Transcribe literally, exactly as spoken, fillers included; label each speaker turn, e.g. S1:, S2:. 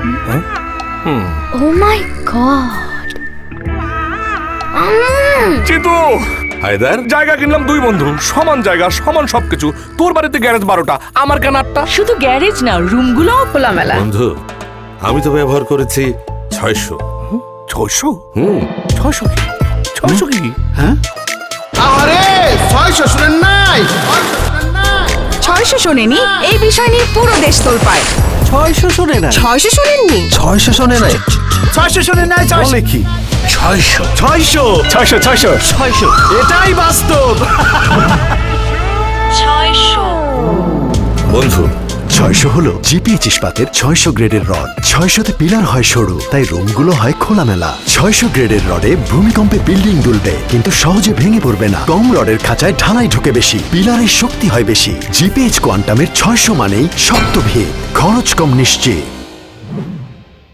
S1: ও মাই god.
S2: চিতু,
S3: Haider,
S2: জায়গা কিনলাম দুই বন্ধু, সমান জায়গা সমান সবকিছু। তোর বাড়িতে গ্যারেজ বারোটা, আমার কেন আটটা?
S4: শুধু গ্যারেজ না, রুমগুলোও খোলামেলা।
S3: বন্ধু আমি তো ব্যবহার করেছি ছয়শো।
S2: ছয়শো?
S3: হুম
S2: ছয়শো কি? ছয়শো কি?
S5: আরে ছয়শো শুনেন নাই?
S6: ছয়শো শোনেনি এই বিষয় নিয়ে পুরো দেশ তোলপাড়।
S7: ছয়শো শোনে না,
S6: ছয়শো শোনেননি?
S7: ছয়শো শোনে নাই,
S5: ছয়শো শুনেন নাই?
S7: বলে কি?
S3: ছয়শো
S7: ছয়শো
S2: ছয়শো ছয়শো
S7: ছয়শো এটাই বাস্তব।
S3: বন্ধু,
S8: ছয়শো হলো জিপিএইচ ইস্পাতের ছয়শো গ্রেডের রড। ছয়শোতে পিলার হয় সরু, তাই রুমগুলো হয় খোলামেলা। ছয়শো গ্রেডের রডে ভূমিকম্পে বিল্ডিং দুলবে কিন্তু সহজে ভেঙে পড়বে না। কম রডের খাঁচায় ঢালাই ঢুকে বেশি, পিলারের শক্তি হয় বেশি। জিপিএইচ কোয়ান্টামের ছয়শো মানেই শক্ত ভিত, খরচ কম নিশ্চিত।